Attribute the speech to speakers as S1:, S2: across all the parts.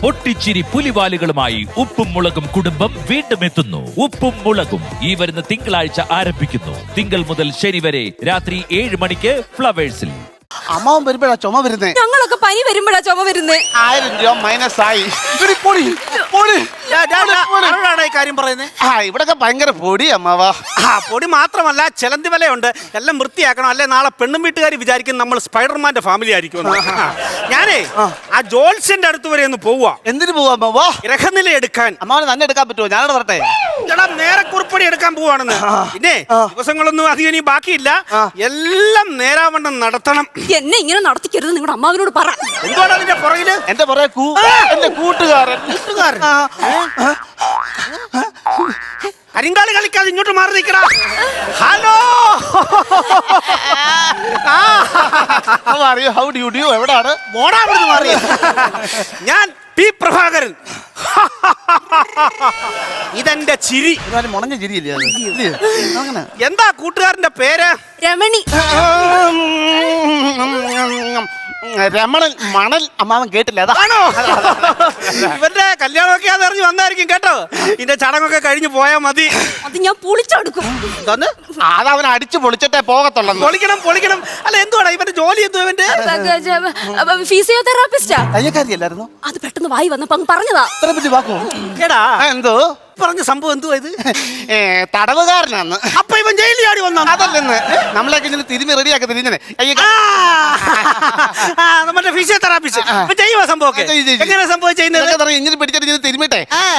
S1: പൊട്ടിച്ചിരി പുലിവാലുകളുമായി ഉപ്പും മുളകും കുടുംബം വീണ്ടും എത്തുന്നു. ഉപ്പും മുളകും ഈ വരുന്ന തിങ്കളാഴ്ച ആരംഭിക്കുന്നു. തിങ്കൾ മുതൽ ശനി വരെ രാത്രി 7 മണിക്ക് ഫ്ലവേഴ്സിൽ.
S2: അമ്മാവൻ വരുമ്പോഴാ ചുമ വരുന്നേ.
S3: ഞങ്ങളൊക്കെ പനി വരുമ്പോഴാ ചുമ വരുന്നേ.
S2: 1000 രൂപ മൈനസ് ആയി.
S4: കാര്യം പറയുന്നേ.
S2: ഇവിടൊക്കെ ഭയങ്കര പൊടി അമ്മാവാ.
S4: പൊടി മാത്രമല്ല ചെലന്തി വലയുണ്ട്. എല്ലാം വൃത്തിയാക്കണം, അല്ലെ നാളെ പെണ്ണും വീട്ടുകാർ വിചാരിക്കും നമ്മൾ സ്പൈഡർമാന്റെ ഫാമിലി ആയിരിക്കും. ഞാനേ ആ ജോൾസിന്റെ അടുത്ത് വരെ ഒന്ന് പോവാ.
S2: എന്തിനു പോവാ അമ്മാവാ?
S4: ഗ്രഹനില എടുക്കാൻ.
S2: അമ്മാവന് തന്നെ എടുക്കാൻ പറ്റുമോ? ഞാനോട് പറട്ടെ.
S4: ചേട്ടാ നേരെ കുറിപ്പടി എടുക്കാൻ പോവാണെന്ന്. പിന്നെ ദിവസങ്ങളൊന്നും അധികം ഇനി ബാക്കിയില്ല. എല്ലാം നേരാവണ്ണം നടത്തണം.
S3: എന്നെ ഇങ്ങനെ നടത്തിക്കരുത് നിങ്ങളുടെ അമ്മാവിനോട് പറ.
S4: എന്തുകൊണ്ടാണ് അതിന്റെ പുറകില്?
S2: എന്റെ പുറകെ എന്റെ കൂട്ടുകാരൻ.
S4: കരിങ്കാളി കളിക്കാതെ ഇങ്ങോട്ട് മാറി നിൽക്കടാ. ഹലോ,
S2: എവിടാണ്
S4: മാറി? ഞാൻ പി പ്രഭാകരൻ. ഇതെന്റെ ചിരി.
S2: മുണഞ്ഞ ചിരിയില്ലേ?
S4: എന്താ കൂട്ടുകാരന്റെ പേര്?
S3: രമണി.
S2: രമണൻ മണൽ. അമ്മാവൻ കേട്ടില്ല അതാണോ?
S4: ഇവന്റെ കല്യാണമൊക്കെ അതറിഞ്ഞ് വന്നായിരിക്കും കേട്ടോ. ഇതിന്റെ ചടങ്ങൊക്കെ കഴിഞ്ഞ് പോയാ മതി.
S3: അത് ഞാൻ പൊളിച്ചെടുക്കും.
S2: അതവൻ അടിച്ചു പൊളിച്ചിട്ടേ പോകത്തുള്ളൂ.
S4: പൊളിക്കണം. അല്ല എന്തുവാടാ ഇവന്റെ ജോലി? എന്തു ഇവന്റെ?
S3: ഫിസിയോതെറാപ്പിസ്റ്റാ.
S2: തയ്യക്കാരിയല്ലായിരുന്നോ?
S3: അത് പെട്ടെന്ന് വായി വന്നപ്പോ പറഞ്ഞതാ.
S4: എടാ
S2: എന്തോ
S4: പറഞ്ഞ സംഭവം എന്തുവാ ഇത്?
S2: തടവുകാരനാന്ന്.
S4: അപ്പൊ ഇവൻ ജയിലിൽ ആടി വന്ന?
S2: അതല്ലെന്ന്. നമ്മളൊക്കെ ഇങ്ങനെ തിരുമി റെഡിയാക്കി തിരിഞ്ഞനെ.
S4: നമ്മുടെ ഫിസിയോതെറാപ്പിസ്റ്റ് ചെയ്യുക സംഭവമൊക്കെ. എങ്ങനെ സംഭവം ചെയ്യുന്നത്?
S2: ഇങ്ങനെ പിടിച്ചിട്ട് തിരുമിട്ടെ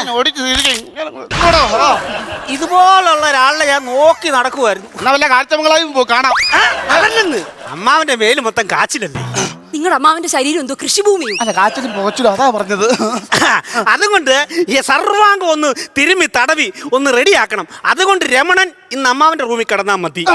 S4: ഇതുപോലുള്ള ഒരാളെ ഞാൻ നോക്കി നടക്കുമായിരുന്നു.
S2: എന്നാ വല്ല കാഴ്ചമംഗളായും കാണാം.
S4: അതല്ലെന്ന്, അമ്മാവന്റെ മേല് മൊത്തം കാച്ചിലല്ലേ?
S3: നിങ്ങളുടെ അമ്മാവന്റെ ശരീരം എന്തോ കൃഷിഭൂമിയും.
S2: അല്ല കാച്ചിലും പോച്ചിലും അതാ പറഞ്ഞത്.
S4: അതുകൊണ്ട് ഈ സർവാംഗം ഒന്ന് തിരുമ്മി തടവി ഒന്ന് റെഡിയാക്കണം. അതുകൊണ്ട് രമണൻ ഇന്ന് അമ്മാവന്റെ റൂമിൽ കിടന്നാ മതി.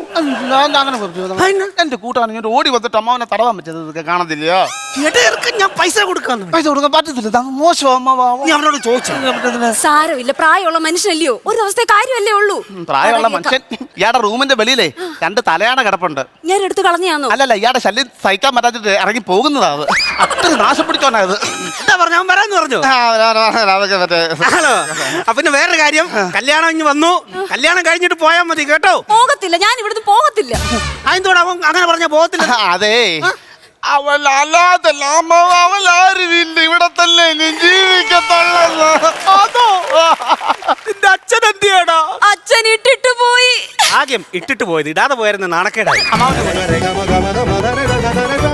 S2: എന്റെ കൂട്ടാണ് ഇങ്ങോട്ട് ഓടി വന്നിട്ട് അമ്മാവനെ തടവാൻ പറ്റത് കാണത്തില്ലയോ?
S4: ഞാൻ പൈസ കൊടുക്കാൻ
S2: പറ്റത്തില്ല. മോശം
S4: അവനോട് ചോദിച്ചു.
S3: സാരമില്ല, പ്രായമുള്ള മനുഷ്യനല്ലയോ, ഒരു ദിവസത്തെ കാര്യമല്ലേ ഉള്ളൂ.
S2: പ്രായമുള്ള മനുഷ്യൻ. ഇയാളുടെ റൂമിന്റെ വെളിയിലേ 2 തലയാണ കിടപ്പുണ്ട്.
S3: ഞാൻ എടുത്ത് കളഞ്ഞാന്നോ?
S2: അല്ലല്ല, ഇയാളുടെ ശല്യം സഹിക്കാൻ പറ്റാത്തിട്ട് ഇറങ്ങി പോകുന്നതാ. അത് അത്ര നാശം പിടിച്ചോണ്ടായത്.
S4: എന്താ പറഞ്ഞു? അവൻ വരാന്ന് പറഞ്ഞു. ഹലോ, പിന്നെ വേറൊരു കാര്യം, കല്യാണം ഇഞ്ഞ് വന്നു. കല്യാണം കഴിഞ്ഞിട്ട് പോയാൽ മതി കേട്ടോ.
S3: പോകത്തില്ല, ഞാൻ ഇവിടുന്ന് പോകത്തില്ല.
S4: അതെന്തോടെ അവൻ അങ്ങനെ പറഞ്ഞ പോകത്തില്ല?
S2: അതെ, അവൾ അല്ലാതല്ല അവൾ ആരുമില്ല ഇവിടെ തന്നെ ജീവിക്കത്തുള്ളൂ.
S4: അതോ നിന്റെ അച്ഛൻ എന്തിയാടാ?
S3: അച്ഛൻ ഇട്ടിട്ട് പോയി.
S4: ആദ്യം ഇട്ടിട്ട് പോയത്, ഇടാതെ പോയായിരുന്നു നാണക്കേടായി.